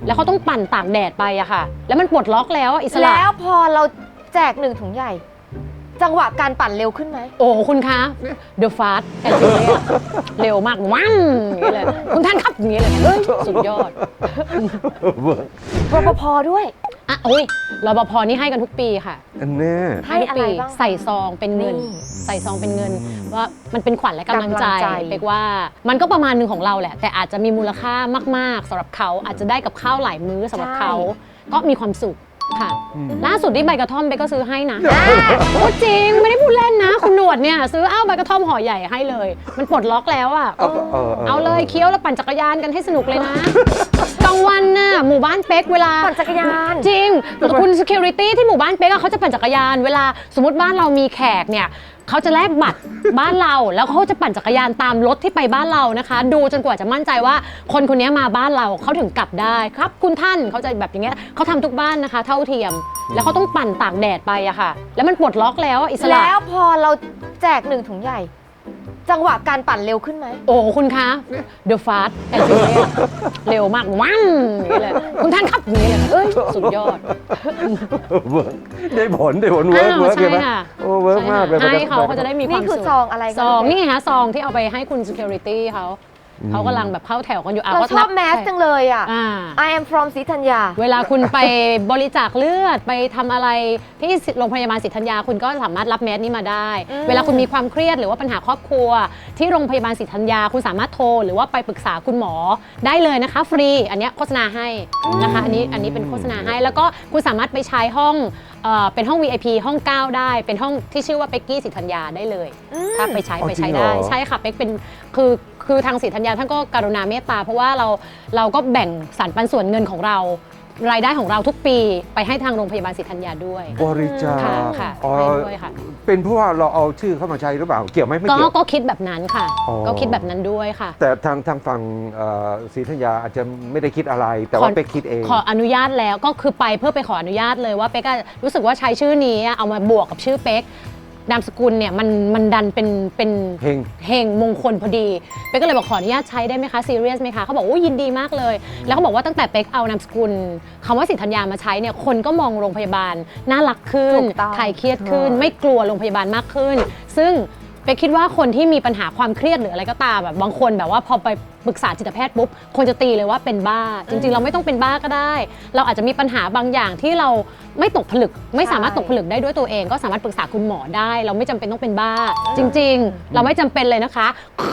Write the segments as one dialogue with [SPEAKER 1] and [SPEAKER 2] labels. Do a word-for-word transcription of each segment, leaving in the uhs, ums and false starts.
[SPEAKER 1] แล้วเขาต้องปั่นตากแดดไปอะค่ะแล้วมันปลดล็อกแล้วอิสระ
[SPEAKER 2] แล้วพอเราแจกหนึ่งถุงใหญ่จังหวะการปั่นเร็วขึ้นไหม
[SPEAKER 1] โอ้คุณคะ The Fast and Furious เร็วมากวั้งอย่างนี้เลยคุณท่านครับอย่างนี้เลยเฮ้ยสุดยอด
[SPEAKER 2] รปภด้วย
[SPEAKER 1] อ่ะโอ้ยรปภนี่ให้กันทุกปีค่ะ
[SPEAKER 3] อันแน่
[SPEAKER 2] ให้อะไรบ้าง
[SPEAKER 1] ใส่ซองเป็นเงินใส่ซองเป็นเงินว่ามันเป็นขวัญและกำลังใจเป๊กว่ามันก็ประมาณหนึ่งของเราแหละแต่อาจจะมีมูลค่ามากๆสำหรับเขาอาจจะได้กับข้าวหลายมื้อสำหรับเขาก็มีความสุขค่ะล่าสุดที่ใบกระท่อมเบก็ซื้อให้นะพูดจริงไม่ได้พูดเล่นนะคุณหนวดเนี่ยซื้ออ้าวใบกระท่อมห่อใหญ่ให้เลยมันปลดล็อกแล้วอ่ะเอาเลยเคี้ยวแล้วปั่นจักรยานกันให้สนุกเลยนะกลางวันน่ะหมู่บ้านเป๊กเวลา
[SPEAKER 2] ปั่นจักรยาน
[SPEAKER 1] จริงคุณ security ที่หมู่บ้านเป๊กเขาจะปั่นจักรยานเวลาสมมติบ้านเรามีแขกเนี่ยเขาจะแลกบัตรบ้านเราแล้วเขาจะปั่นจักรยานตามรถที่ไปบ้านเรานะคะดูจนกว่าจะมั่นใจว่าคนคนนี้มาบ้านเราเขาถึงกลับได้ครับคุณท่านเขาจะแบบอย่างเงี้ยเขาทำทุกบ้านนะคะเท่าเทียมแล้วเขาต้องปั่นตากแดดไปอะค่ะแล้วมันปลดล็อกแล้วอิสระ
[SPEAKER 2] แล้วพอเราแจกหนึ่งถุงใหญ่จังหวะการปั่นเร็วขึ้นไหม
[SPEAKER 1] โอ้คุณคะ The Fast and Furious เร็วมากวั้งอย่างนี้เลยคุณท่านครับอย่างนี้เลยเฮ้ยสุดยอด
[SPEAKER 3] ได้ผลได้ผลเวิร์กเวิร์กเลยไหมโอ้เวิร์กมากเลย
[SPEAKER 1] ให้เขาเขาจะได้มีความสุข
[SPEAKER 2] นี่คือซองอะไร
[SPEAKER 1] ซองนี่ไงคะซองที่เอาไปให้คุณ security เขาเขากำลังแบบเข้าแถวกันอยู่
[SPEAKER 2] เราชอบแมสจังเลยอ่ะ I am from ศรีธัญญา
[SPEAKER 1] เวลาคุณไปบริจาคเลือดไปทำอะไรที่โรงพยาบาลศรีธัญญาคุณก็สามารถรับแมสนี้มาได้เวลาคุณมีความเครียดหรือว่าปัญหาครอบครัวที่โรงพยาบาลศรีธัญญาคุณสามารถโทรหรือว่าไปปรึกษาคุณหมอได้เลยนะคะฟรีอันนี้โฆษณาให้นะคะอันนี้อันนี้เป็นโฆษณาให้แล้วก็คุณสามารถไปใช้ห้องเป็นห้อง วี ไอ พี ห้องเก้าได้เป็นห้องที่ชื่อว่าเป็กกี้ศรีธัญญาได้เลยถ้าไปใช้ไปใช้ได้ใช่ค่ะเป็กเป็นคือคือทางศรีธัญญาท่านก็กรุณาเมตตาเพราะว่าเราเราก็แบ่งสรรปันส่วนเงินของเรารายได้ของเราทุกปีไปให้ทางโรงพยาบาลศรีธัญญาด้วย
[SPEAKER 3] บริจาค
[SPEAKER 1] ค่ะด้วยค่ะ
[SPEAKER 3] เป็นเพราะว่าเราเอาชื่อเข้ามาใช้หรือเปล่าเกี่ยวไหมไม่เกี่ยว
[SPEAKER 1] ก็คิดแบบนั้นค่ะก็คิดแบบนั้นด้วยค่ะ
[SPEAKER 3] แต่ทางทางฝั่งศรีธัญญาอาจจะไม่ได้คิดอะไรแต่ว่าเป๊กคิดเอง
[SPEAKER 1] ขออนุญาตแล้วก็คือไปเพื่อไปขออนุญาตเลยว่าเป๊กรู้สึกว่าใช้ชื่อนี้เอามาบวกกับชื่อเป๊กนามสกุลเนี่ยมันมันดันเป็นเป็น
[SPEAKER 3] เฮง
[SPEAKER 1] เฮงมงคลพอดีเป๊กก็เลยบอกขออนุญาตใช้ได้ไหมคะซีเรียสไหมคะเขาบอกโอ้ยินดีมากเลยแล้วเขาบอกว่าตั้งแต่เป๊กเอานามสกุลคำว่าศรีธัญญามาใช้เนี่ยคนก็มองโรงพยาบาลน่ารักขึ้นคลายเครียดขึ้นไม่กลัวโรงพยาบาลมากขึ้นซึ่งเป๊กคิดว่าคนที่มีปัญหาความเครียดหรืออะไรก็ตามแบบบางคนแบบว่าพอไปปรึกษาจิตแพทย์ปุ๊บคนจะตีเลยว่าเป็นบ้าจริงๆเราไม่ต้องเป็นบ้าก็ได้เราอาจจะมีปัญหาบางอย่างที่เราไม่ตกผลึกไม่สามารถตกผลึกได้ด้วยตัวเองก็สามารถปรึกษาคุณหมอได้เราไม่จำเป็นต้องเป็นบ้าจริงๆเราไม่จำเป็นเลยนะคะ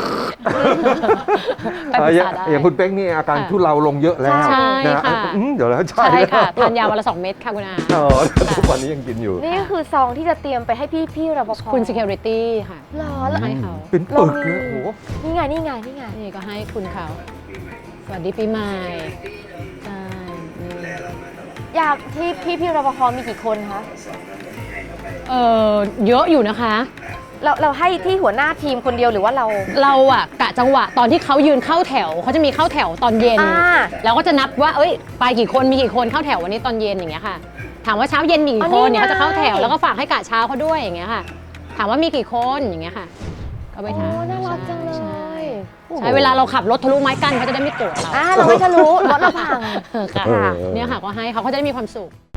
[SPEAKER 3] ไปปรึกษาได้อย่างคุณเป๊กนี่อาการทุเลาลงเยอะแล้ว
[SPEAKER 1] ใช่ค่ะ
[SPEAKER 3] เดี๋ยวแล้ว
[SPEAKER 1] ใช่ค่ะทานยาวันละสองเม็ดค่ะคุณอา
[SPEAKER 3] อ๋อทุกวันนี้ยังกินอยู่
[SPEAKER 2] นี่คือซองที่จะเตรียมไปให้พี่พี่รปภ
[SPEAKER 1] คุณ security ค่ะ
[SPEAKER 2] รอแล้ว
[SPEAKER 1] ให้เขา
[SPEAKER 3] เป็นปึกเลยโอ้โห
[SPEAKER 2] นี่ไงนี่ไงนี่ไง
[SPEAKER 1] นี่ก็ให้คุณเขาสวัสดีปีใหม่ใช่
[SPEAKER 2] อยากที่พี่พี่รปภมีกี่คนคะ
[SPEAKER 1] เออเยอะอยู่นะคะ
[SPEAKER 2] เราเราให้ที่หัวหน้าทีมคนเดียวหรือว่าเรา
[SPEAKER 1] เราอะกะจังหวะตอนที่เขายืนเข้าแถวเขาจะมีเข้าแถวตอนเย็นแล้วก็จะนับว่าเอ้ยไปกี่คนมีกี่คนเข้าแถววันนี้ตอนเย็นอย่างเงี้ยค่ะถามว่าเช้าเย็นมีกี่คนเนี่ยเขาจะเข้าแถวแล้วก็ฝากให้กะเช้าเขาด้วยอย่างเงี้ยค่ะถามว่ามีกี่คนอย่างเงี้ยค่ะก็ไปถาม
[SPEAKER 2] น่ารักจังเลย
[SPEAKER 1] ใช่เวลาเราขับรถทะลุไม้กั้นเขาจะได้ไม่โกรธเรา
[SPEAKER 2] เราไม่ทะลุรถเราพัง
[SPEAKER 1] ค่ะเนี่ยค่ะก็ให้เขาเขาจะได้มีความสุข